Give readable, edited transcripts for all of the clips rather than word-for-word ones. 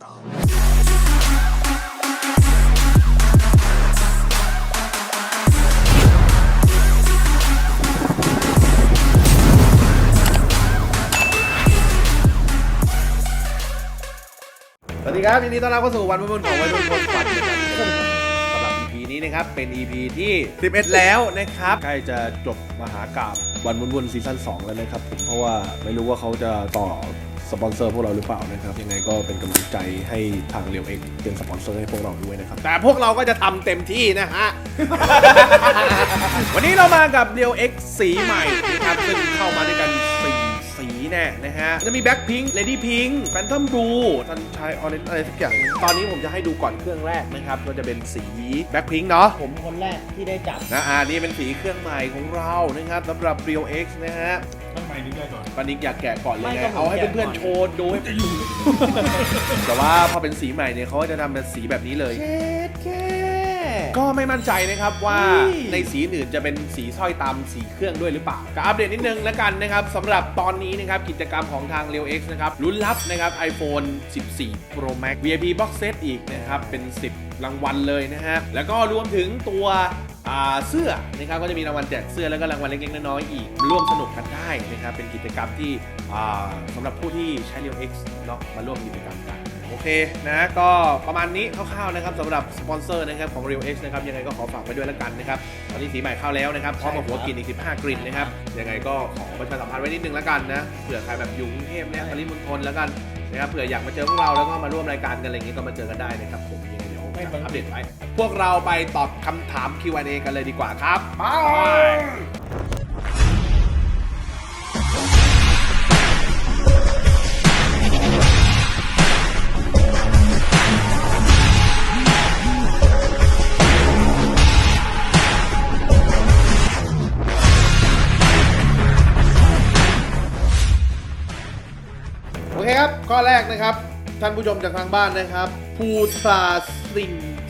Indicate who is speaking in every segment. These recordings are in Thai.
Speaker 1: สวัสดีครับยินดีต้อนรับเข้าสู่วันวุ่นของวัยรุ่นคนฝันนะครับสำหรับ EP นี้นะครับเป็น EP ที่11แล้วนะครับใกล้จะจบมหากาพย์วันวุ่นซีซั่น2แล้วนะครับผมเพราะว่าไม่รู้ว่าเขาจะต่อสปอนเซอร์พวกเราหรือเปล่านะครับยังไงก็เป็นกำลังใจให้ทางเรียวเอ็กเป็นสปอนเซอร์ให้พวกเราด้วยนะครับแต่พวกเราก็จะทำเต็มที่นะฮะ วันนี้เรามากับเรียวเอ็กสีใหม่นะครับซึ่งเข้ามาด้วยกันสีแน่นะฮะจะมีแบ็คพิงค์เลดี้พิงค์แฟนทอมบลูซันชายออเรนจ์อะไรสักอย่างตอนนี้ผมจะให้ดูก่อนเครื่องแรกนะครับก็จะเป็นสีแบ็คพิงค์เนาะ
Speaker 2: ผมคนแรกที่ได้จับ
Speaker 1: นะนี่เป็นสีเครื่องใหม่ของเรานะครับสำหรับ Real X นะฮะ
Speaker 3: ต้องไปนิดได้ก่อน
Speaker 1: ปานิกอยากแกะก่อนเลยไงเอาให้เพื่อนๆโชว์ดูให้แต่ว่าพอเป็นสีใหม่เนี่ยเขาจะทำเป็นสีแบบนี้เลยก็ไม่มั่นใจนะครับว่าในสีอื่นจะเป็นสีสร้อยตามสีเครื่องด้วยหรือเปล่าก็อัปเดตนิดนึงแล้วกันนะครับสำหรับตอนนี้นะครับกิจกรรมของทาง Real X นะครับลุ้นรับนะครับ iPhone 14 Pro Max VIP Box Set อีกนะครับเป็น10รางวัลเลยนะฮะแล้วก็รวมถึงตัวเสื้อนะครับก็จะมีรางวัลแจกเสื้อแล้วก็รางวัลเล็กๆน้อยๆอีกร่วมสนุกกันได้นะครับเป็นกิจกรรมที่สำหรับผู้ที่ใช้ Real X เนาะมาร่วมกิจกรรมกันโอเคนะก็ประมาณนี้คร่าวๆนะครับสำหรับสปอนเซอร์นะครับของ Real X นะครับยังไงก็ขอฝากไว้ด้วยแล้วกันนะครับตอนนี้สีใหม่เข้าแล้วนะครับพร้อมกับหัวกลิ่นอีก15กลิ่นนะครับยังไงก็ขอประชาสัมพันธ์ไว้นิดนึงแล้วกันนะเผื่อใครแบบอยู่กรุงเทพเนี่ยปริมณฑลแล้วกันนะครับเผื่ออยากมาเจอพวกเราแล้วก็มาร่วมรายการกันอะไรอย่างงี้ก็มาเจอกันได้นะครับผมยังไงเดี๋ยวอัปเดตไว้พวกเราไปตอบคำถาม Q&A กันเลยดีกว่าครับโอเคครับข้อแรกนะครับท่านผู้ชมจากทางบ้านนะครับพูซาซิง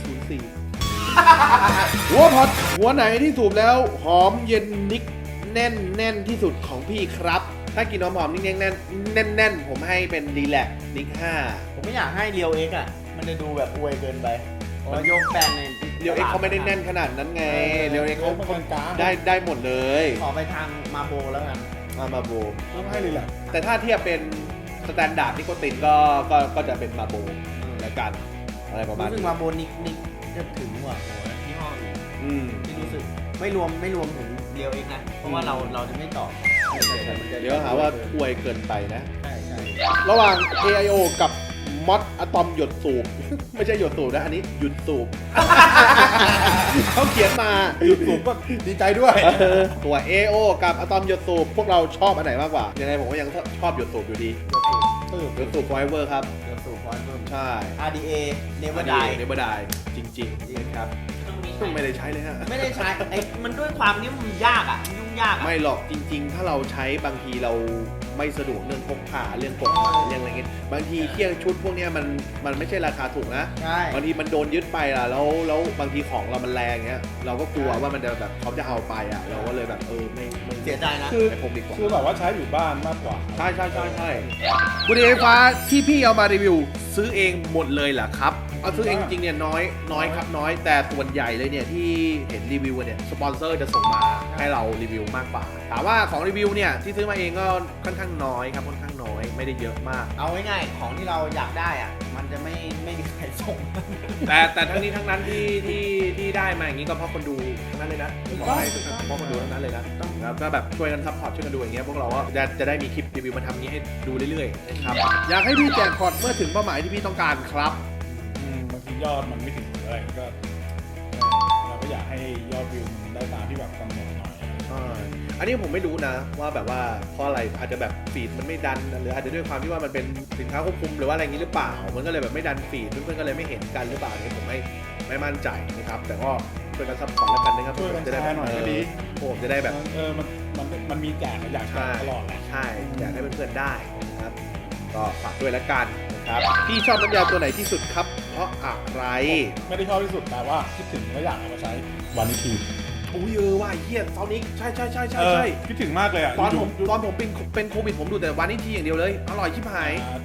Speaker 1: 04หัวพอดหัวไหนที่สูบแล้วหอมเย็นนิกแน่นที่สุดของพี่ครับถ้ากินหอมๆนิกแน่นผมให้เป็นดีแลกนิก5
Speaker 2: ผมไม่อยากให้เรียวเอ็กอ่ะมันจะดูแบบอวยเกินไปมันโยกแฟนใน
Speaker 1: เรียวเอ็กเขาไม่ได้แน่นขนาดนั้นไงเรียวเอ็กเขาได้หมดเลย
Speaker 2: ขอไปทางมาโบแล้วกัน
Speaker 1: มาโบ
Speaker 3: ต้องให้เลยแหละ
Speaker 1: แต่ถ้าเทียบเป็นสแตนดาร์ดนิโคตินก็จะเป็นมาโบแล้วกันอะไรประมาณนี้
Speaker 2: รู้สึกมาโบนิกจะถึงกว่าที่ห้ออื่นที่รู้สึกไม่รวมถึงเรียวเอ็กนะเพราะว่าเราจะไม่ตอบ
Speaker 1: เดี๋ยวหาว่าอวยเกินไปนะ
Speaker 2: ใช่
Speaker 1: ระหว่าง AIO กับมอดอะตอมหยดสูบไม่ใช่หยดสูบนะอันนี้หยุดสูบเขาเขียนมา
Speaker 3: หยุดสูบก็ดีใจด้วย
Speaker 1: ตัว AIO กับอะตอมหยดสูบพวกเราชอบอันไหนมากกว่ายังไงผมก็ยังชอบหยดสูบอยู่ดีหยดสูบ Forever ครับ
Speaker 2: หยดสูบ Forever
Speaker 1: ใช่
Speaker 2: RDA Never Die
Speaker 1: จริงนะครับไม่ได้ใช้เลยฮะ
Speaker 2: ไม่ได้ใช้มันด้วยความที่มันยากอ่ะยุ่งยาก
Speaker 1: ไม่หรอกจริงๆถ้าเราใช้บางทีเราไม่สะดวกเรื่องพกพาเรื่องกฎหมายเรื่องอะไรเงี้ยบางทีเครื่องชุดพวกนี้มันไม่ใช่ราคาถูกนะบางทีมันโดนยึดไปล่ะแล้วบางทีของเรามันแรงเงี้ยเราก็กลัวว่ามันจะแบบเขาจะเอาไปอ่ะเราก็เลยแบบไม่
Speaker 2: เสียใจนะ
Speaker 1: ไม่พกดีกว่า
Speaker 3: คือแบบว่าใช้อยู่บ้านมากกว่า
Speaker 1: ใช่บุหรี่ไฟฟ้าที่พี่เอามารีวิวซื้อเองหมดเลยเหรอครับเอาซื้อเองจริงเนี่ยน้อยครับน้อยแต่ส่วนใหญ่เลยเนี่ยที่เห็นรีวิวเนี่ยสปอนเซอร์จะส่งมาให้เรารีวิวมากกว่าถามว่าของรีวิวเนี่ยที่ซื้อมาเองก็ค่อนข้างน้อยครับค่อนข้างน้อยไม่ได้เยอะมาก
Speaker 2: เอาง่ายๆของที่เราอยากได้อ่ะมันจะไม่มีใครส่ง
Speaker 1: แต่ทั้งนี้ทั้งนั้นที่ได้มาอย่างนี้ก็เพราะคนดูทั้งนั้นเลยนะเพราะคนดูทั้งนั้นเลยนะก็แบบช่วยกันซัพพอร์ตช่วยกันดูอย่างเงี้ยพวกเราก็จะได้มีคลิปรีวิวมาทำนี้ให้ดูเรื่อยๆนะครับอยากให้พี่แจกพอร์ตเมื่อถึงเป้าหมายที่พี่ต้องการครับ
Speaker 3: บางทียอดมันไม่ถึงอะไรก็เราก็อยากให้ยอดวิวมันได้ตามที่แบบกำหนดหน่อย
Speaker 1: อันนี้ผมไม่รู้นะว่าแบบว่าเพราะอะไรอาจจะแบบฟีดมันไม่ดันหรืออาจจะด้วยความที่ว่ามันเป็นสินค้าควบคุมหรือว่าอะไรอย่างนี้หรือเปล่ามันก็เลยแบบไม่ดันฟีดเพื่อนๆก็เลยไม่เห็นกันหรือเปล่าเนี่ยผมไม่มั่นใจนะครับแต่ก็ช่วยกันซัพพอร์ตแล้วกันนะครับ
Speaker 3: ช่วยกันแชร์หน่อยก็ดี
Speaker 1: ผมจะได้แบบ
Speaker 3: มันมีแจกอยากแชร์ตลอดแหละ
Speaker 1: ใช่อยากให้เพื่อนๆได้นะครับก็ฝากด้วยแล้วกันนะครับพี่ชอบน้ำยาตัวไหนที่สุดครับเพราะอะไร
Speaker 3: ไม่ได้ชอบที่สุดแต่ว่าคิดถึงก็อยากเอามาใช้วันนี้ที
Speaker 1: อุ้ยว่าเฮียตอนนี้ใช่
Speaker 3: คิดถึงมากเลยอ่ะ
Speaker 1: ตอนผมเป็นโควิดผมดูแต่วันนี้ทีอย่างเดียวเลยอร่อยชิบหาย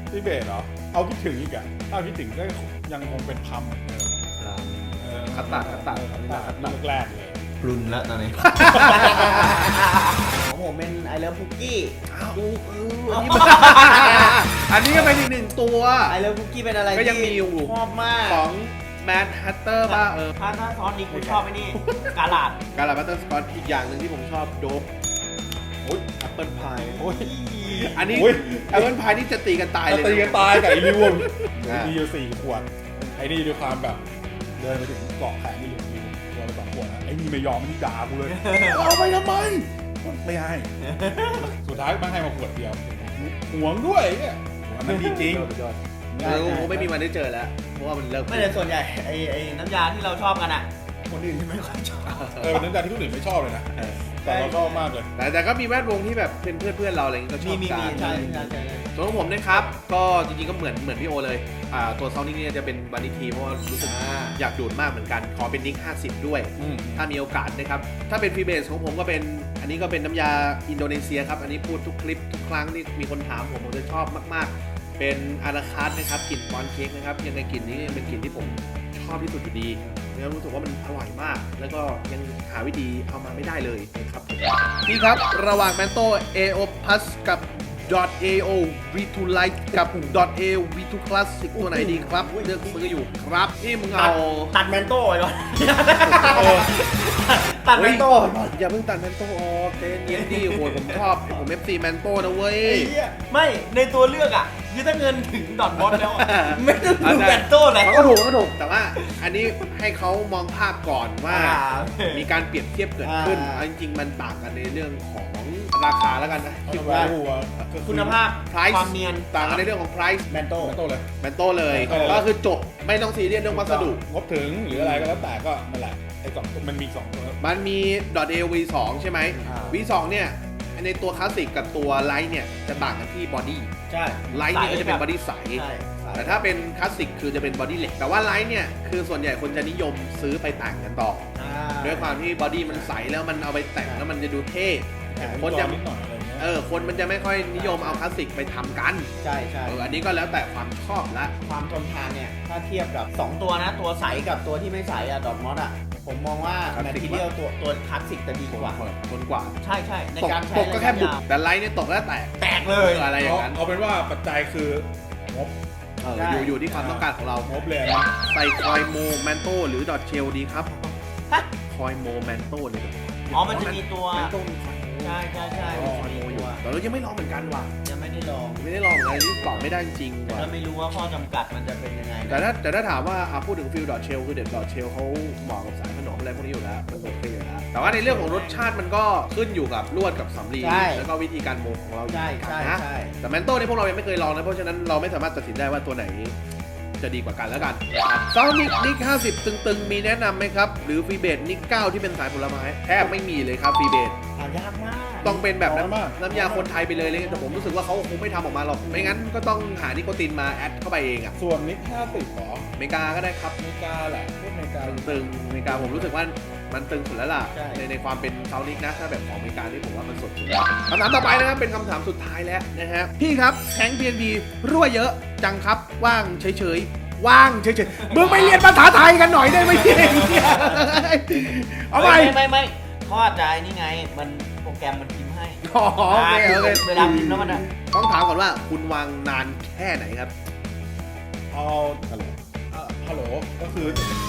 Speaker 3: พี่เบสเหรอเอาคิดถึงอีกอ่ะถ้าคิดถึงก็ยังคงเป็นพัมเหมือนเดิม
Speaker 1: คัตตา
Speaker 3: แรกเลย
Speaker 2: ปรุนแล้วตอนนี้ ของผมเป็นไอเลิฟคุกกี้
Speaker 1: อันนี้ก็เป็นอีกหนึ่งตัว
Speaker 2: ไอเลิฟคุกกี้เป็นอะไร
Speaker 1: ก็ยังมีอยู่
Speaker 2: ชอบมาก
Speaker 1: ของแมนฮัตเตอร์ป่ะ
Speaker 2: ถ้าซอสนี้กูชอบไอ้นี่กาลาด
Speaker 1: การลาบัตเตอร์สกอตอีกอย่างหนึ่งที่ผมชอบโดบโอ้ยแอปเปิลพาย
Speaker 3: โอ้ย
Speaker 1: อันนี้
Speaker 3: โอ้ย
Speaker 1: แอปเปิลพายนี่จะตีกันตายเลย
Speaker 3: ตีกันตายกับไอ้ริว
Speaker 1: อ่า
Speaker 3: มีอยู่4 ขวดไอ้นี่ด้วยความแบบเดินไปถึงเกาะแขนนี่เหลืออยู่ตัวละ2 ขวดนะไอ้นี่ไม่ยอมมันด่ากูเลยเอาไปทำไมไม่ให้สุดท้ายมันให้มาขวดเดียวหวงด้วยเนี่ยหวงมันดีจริง
Speaker 1: เราไม่มีวันได้เจอแล้วเพราะว่ามันเลิก
Speaker 2: ไม่แต่ส่วนใหญ่ไอ้น้ำยาที่เราชอบกันอ่ะคนอื่นที่ไม่ค่อยชอบ
Speaker 3: เป็นน้ำยาที่คนอื่นไม่ชอบเลยนะแต่เราชอบมากเลย
Speaker 1: แต่ก็มีแวดวงที่แบบเป็นเพื่อนเราอะไรอย่างเงี้ยก็ชอบ
Speaker 2: มี
Speaker 1: กัน
Speaker 2: ใช่
Speaker 1: ส่วนของผมนะครับก็จริงๆก็เหมือนพี่โอเลยตัวซาวนิ่งเนี่ยจะเป็นวานิทีเพราะว่ารู้สึกอยากดูดมากเหมือนกันขอเป็นนิก50ด้วยถ้ามีโอกาสนะครับถ้าเป็นฟรีเบสของผมก็เป็นอันนี้ก็เป็นน้ำยาอินโดนีเซียครับอันนี้พูดทุกคลิปทุกครั้งที่มีคนถามผมจะชอบมากๆเป็นอาราคาร์ทนะครับกลิ่นปอนเค้กนะครับยังไงกลิ่นนี้เป็นกลิ่นที่ผมชอบที่สุดอยู่ดีแล้วรู้สึกว่ามันอร่อยมากแล้วก็ยังหาวิธีเอามาไม่ได้เลยนะครับนี่ครับระหว่างแมนโต้ AO Plus กับ .AO V2 Lite กับ .AO V2 Classic ตัวไหนดีครับเลือกซื้ออยู่ครับนี่มึงเอา
Speaker 2: ตัดแมนโต้ไปก่อนตัดแมนโต้ไปก่อน
Speaker 1: อย่าเพิ่งตัดแมนโต้ออกเต้นเย็นดีโอ้ยผมชอบผม FC แมนโต้นะเว้ย
Speaker 2: ไม่ในตัวเลือกอ่ะคือถ้าเงินถึงดอทบอสแล้วไม่ต้องดูแมนโต้แล้ว
Speaker 1: มันก็ถูกแต่ว่าอันนี้ให้เขามองภาพก่อนว่ามีการเปรียบเทียบเกิดขึ้นจริงๆมันต่างกันในเรื่องของราคาแล้วกันนะคิดว่า
Speaker 2: คุณภาพ
Speaker 1: price
Speaker 2: ความเนียน
Speaker 1: ต่างกันในเรื่องของ price
Speaker 2: แมนโต้
Speaker 3: เลย
Speaker 1: แมนโต้เลยก็คือจบไม่ต้องซีเรียสเรื่องวัสดุ
Speaker 3: งบถึงหรืออะไรก็แล้วแต่ก็นั่นแหละไอ้2มันมี2ตัว
Speaker 1: มันมี .AO V2 ใช่ไหม V2 เนี่ยในตัวคลาสสิกกับตัวไลท์เนี่ยจะต่างกันที่บอดี้
Speaker 2: ใช่
Speaker 1: ไลท์เนี่ยก็จะเป็นบอดี้ใส แต่ถ้าเป็นคลาสสิกคือจะเป็นบอดี้เหล็กแต่ว่าไลท์เนี่ยคือส่วนใหญ่คนจะนิยมซื้อไปแต่งกันต่อด้วยความที่บอดี้มันใสแล้วมันเอาไปแต่งแล้วมันจะดูเท่คนจะคนมันจะไม่ค่อยนิยมเอาคลาสสิกไปทำกัน
Speaker 2: ใช่
Speaker 1: อันนี้ก็แล้วแต่ความชอบละ
Speaker 2: ความทนทานเนี่ยถ้าเทียบกับ2ตัวนะตัวใสกับตัวที่ไม่ใสอะดอทมอสอะผมมองว่าแมททีเรียลตัวคลาสสิกจะดีกว่า
Speaker 1: ทนกว่า
Speaker 2: ใช่ในการใช้
Speaker 1: ตกก็แค่บุกแต่ไลท์เนี่ยตกแล้วแตก
Speaker 2: เลย
Speaker 1: อะไรอย่างนั้น
Speaker 3: เอาเป็นว่าปัจจัยคืองบ
Speaker 1: อยู่ที่ความต้องการของเรา
Speaker 3: งบเลยนะ
Speaker 1: ใส่คอยโมแมนโต้หรือดอทเชลดีครับคอยโมแมนโต้เลย
Speaker 2: มันจะมีตัว
Speaker 1: แมนโต้
Speaker 2: ใช่
Speaker 1: คอยโมอยู่แต่เรายังไม่ลองเหมือนกันว่ะ
Speaker 2: ยังไม่ได้ลอง
Speaker 1: ไม่ได้ลองเลยนี่ตอบไม่ได้จริงว่ะ
Speaker 2: แล้วไม่รู้ว่าข้อจำกัดมันจะเป็นยังไง
Speaker 1: แต่ถ้าถามว่าพูดถึงฟิลดอทเชลคือเด็ดดอทเชลเขาเหมาะกับสายขนมอะไรพวกนี้อยู่แล้วมันโอเคอยู่แล้วแต่ว่าในเรื่องของรสชาติมันก็ขึ้นอยู่กับลวดกับสำลีแล้วก็วิธีการโมของเรา
Speaker 2: ใช่
Speaker 1: แต่แมนโต้นี่พวกเรายังไม่เคยลองนะเพราะฉะนั้นเราไม่สามารถตัดสินได้ว่าตัวไหนจะดีกว่ากันแล้วกันซาวนิกนิก50ตึงๆมีแนะนำไหมครับหรือฟรีเบสนิก9ที่เป็นสายผลไม้แทบไม่มีเลยครับฟรีเบส
Speaker 2: ยากมาก
Speaker 1: ต้องเป็นแบบน้ำยาคนไทยไปเลยแต่ผมรู้สึกว่าเขาคงไม่ทำออกมาหรอกไม่งั้นก็ต้องหานิโคตินมาแอดเข้าไปเองอ่ะ
Speaker 3: ส่วนนิก50หรอ
Speaker 1: อเมริกาก็ได้ครับ
Speaker 3: อเมริกาแหละพวกอเมริกา
Speaker 1: ตึงอเมริกาผมรู้สึกว่ามันตึงสุดแล้วล่ะในความเป็นซาวนิกนะถ้าแบบของอเมริกาที่ผมว่ามันสดสุดคำถามต่อไปนะครับเป็นคำถามสุดท้ายแล้วนะฮะพี่ครับแทง PNB รั่วเยอะจังครับว่างเฉยๆว่างเฉยๆมึงไปเรียนภาษาไทยกันหน่อยได้ไหมพี่เอาไป
Speaker 2: ไม่ข้อใจนี่ไงมันโปรแกรมมันพิมพ์ให้
Speaker 1: อ๋อโอเค
Speaker 2: เวลาพิมพ์แล้วมัน
Speaker 1: ต้องถามก่อนว่าคุณวางนานแค่ไหนครับ
Speaker 3: เอาฮัลโหลก็คือ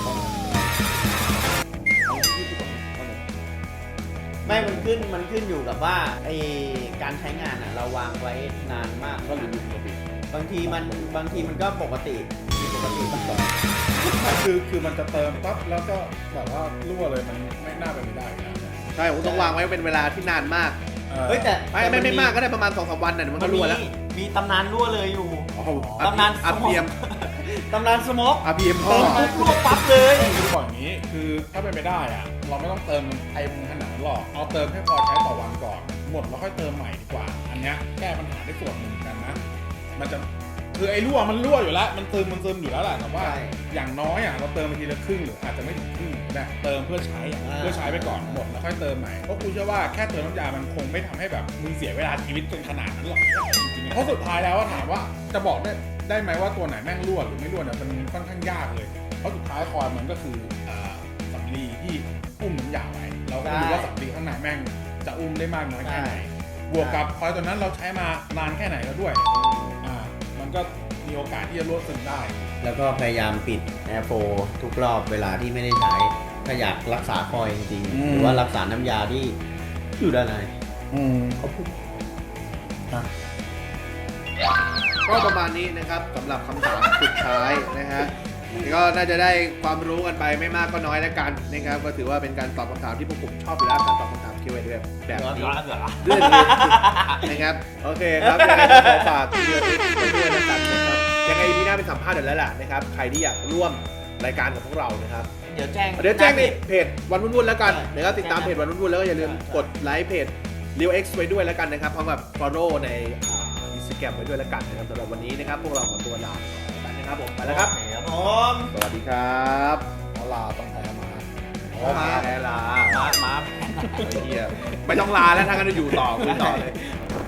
Speaker 2: ไม่มันขึ้นอยู่กับว่าไอการใช้งานอ่ะเราวางไว้นานมากก็หรือบางทีมันก็ปกติบ้าง
Speaker 3: คือมันจะเติมปั๊บแล้วก็แบบว่ารั่วเลยมันไม่น่าเป็นไปได้นะ
Speaker 1: ใช่ผมต้องวางไว้เป็นเวลาที่นานมาก
Speaker 2: เฮ้ยแต่
Speaker 1: ไม่มากก็ได้ประมาณ 2-3 วันน่ะมันก็รั่วแล้ว
Speaker 2: มีตำนานรั่วเลยอยู่
Speaker 1: ตำนานอาเพียม
Speaker 2: ตำนานสโมก
Speaker 1: อาเพียม
Speaker 2: เติมรั่วปั๊บเลย
Speaker 3: คือบอกอย่างนี้คือถ้าเป็นไปได้อะเราไม่ต้องเติมเต็มขนาดนั้นหรอกเอาเติมแค่พอใช้ต่อวันก่อนหมดแล้วค่อยเติมใหม่ดีกว่าอันนี้แก้ปัญหาได้ส่วนหนึ่งกันนะมันจะคคือไอ้รั่วมันรั่วอยู่แล้วมันซึมอยู่แล้วแหละแต่ว่า
Speaker 2: ใช่
Speaker 3: อย่างน้อยเราเติมไปทีละครึ่งหรืออาจจะไม่ถึงครึ่งนะเติมเพื่อใช้ไปก่อนหมดแล้วค่อยเติมใหม่เพราะกูเชื่อว่าแค่เติมน้ำยามันคงไม่ทำให้แบบมึงเสียเวลาชีวิตจนขนาดนั้นหรอกจริงๆเพราะสุดท้ายแล้วถามว่าจะบอกได้ไหมว่าตัวไหนแม่งรั่วหรือไม่รั่วเนี่ยมันค่อนข้างยากเลยเพราะสุดท้ายคอยมันก็คือสำลีที่อุ้มน้ำยาไว้เราก็ไม่รู้ว่าสำลีข้างในแม่งจะอุ้มได้มากน้อยแค่ไหนบวกกับคอยตัวนั้นเราใช้มานานแค่ไหนแล้วด้วยมันก็มีโอกาสที่จะรั่วซึมได้
Speaker 2: แล้วก็พยายามปิดแอร์โฟทุกรอบเวลาที่ไม่ได้ใช้ถ้าอยากรักษาคอยจริงๆหรือว่ารักษาน้ำยาที่อยู่ด้านในเขาพูด
Speaker 1: ก็ประมาณนี้นะครับสำหรับคำถามสุดท้ายนะฮะก็น่าจะได้ความรู้กันไปไม่มากก็น้อยแล้วกันนะครับก็ถือว่าเป็นการตอบคำถามที่พวกผมชอบอยู่แล้วการตอบคำถาม Q&A แบบนี้เรื่องนี้นะครับโอเคครับยังไงขอฝากเรื่องนี้ด้วยนะครับยังไงพี่หน้าเป็นสัมภาษณ์เดี๋ยวแล้วล่ะนะครับใครที่อยากร่วมรายการกับพวกเรานะครับ
Speaker 2: เดี๋ยวแจ้ง
Speaker 1: ในเพจวันวุ่นๆแล้วกันนะครับติดตามเพจวันวุ่นๆแล้วก็อย่าลืมกดไลค์เพจ Leo X ไว้ด้วยแล้วกันนะครับพร้อมกับ follow ในInstagram ไว้ด้วยแล้วกันนะครับสำหรับวันนี้นะครับพวกเราขอตัวลาไปนะครับผมไปแล้วครับสวัสดีครับ
Speaker 3: ลาต้องแพ้มา
Speaker 1: แพ้ลา
Speaker 2: มา
Speaker 1: ไม่ต้องลาแล้วถ้างั้นจะอยู่ต่อคุยต่อเลย